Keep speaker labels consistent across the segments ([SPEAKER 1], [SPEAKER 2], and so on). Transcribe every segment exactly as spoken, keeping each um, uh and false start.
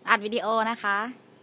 [SPEAKER 1] อัดวิดีโอนะคะ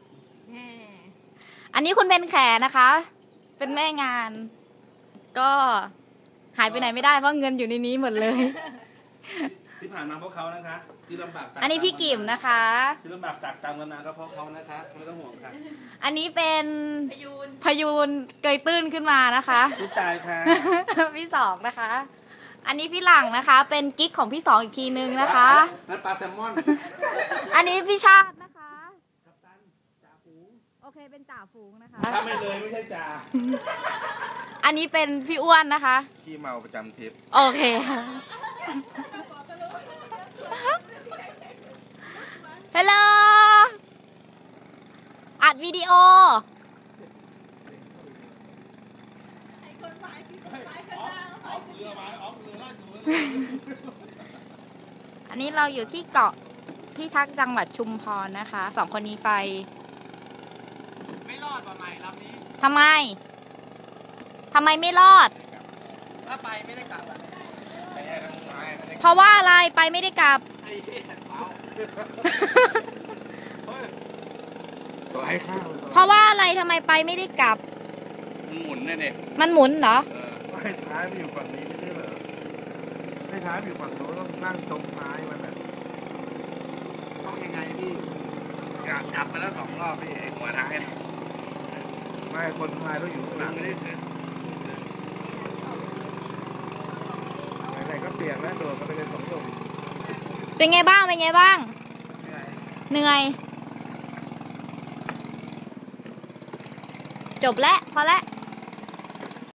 [SPEAKER 1] อันนี้คุณเบนแขนะคะ เป็นแม่งาน ก็หายไปไหนไม่ได้เพราะเงินอยู่ในนี้หมดเลย
[SPEAKER 2] ที่ผ่านมาเพราะเขานะคะที่ลำบาก
[SPEAKER 1] อันนี้พี่กิ่มนะคะ
[SPEAKER 2] ที่ลำบากตากตามกันมาก็เพราะเขานะคะไม่ต้องห่วงค่ะ
[SPEAKER 1] อันนี้เป็นพยูนพยูนเกยตื้นขึ้นมานะคะ
[SPEAKER 2] พี่ตายค่ะ
[SPEAKER 1] พี่สองนะคะ อันนี้พี่หลังนะคะ เป็นกิ๊กของพี่สองอีกทีนึงนะคะ
[SPEAKER 2] นั่นปลาแซลมอน
[SPEAKER 1] อันนี้พี่ชาตินะคะกัปตันจ่าฝูงโอเคเป็นจ่าฝูงนะคะ
[SPEAKER 2] ถ้าไม่เลยไม่ใช่จ่า
[SPEAKER 1] อันนี้เป็นพี่อ้วนนะคะ
[SPEAKER 2] ขี้เมาประจำทริป
[SPEAKER 1] โอเคฮัลโหลอัดวิดีโออันนี้เราอยู่ที่เกาะที่ทักจังหวัดชุมพรนะคะสองคนนี้ไป
[SPEAKER 2] ไม่รอดป่ะใหม่ลำนี้
[SPEAKER 1] ทำไมทำไมไม่รอด
[SPEAKER 2] ถ้าไปไม่ได้กลับ
[SPEAKER 1] เพราะว่าอะไรไปไม่ได้กลับเพราะว่าอะไรทำไมไปไม่ได้กลับ
[SPEAKER 2] มันหมุนแน่เด็
[SPEAKER 1] มันหมุนเหรอ
[SPEAKER 2] ไม่ท้ายมันอยู่ฝั่งนี้ไม่ใช่เหรอไม่ท้ายอยู่ฝั่งโน้นต้องนั่งตรงท้ายมันแบบต้องยังไงพี่กลับมาแล้วสองรอบพี่หัวท้ายไม่คนท้ายต้องอยู่ข้างหลังไม่ได้ถึงไหนๆก็เปลี่ยนแล้วโดดก็ไปเลยสองตุ่ม
[SPEAKER 1] เป็นไงบ้างเป็นไงบ้างเหนื่อยจบแล้วพอแล้ว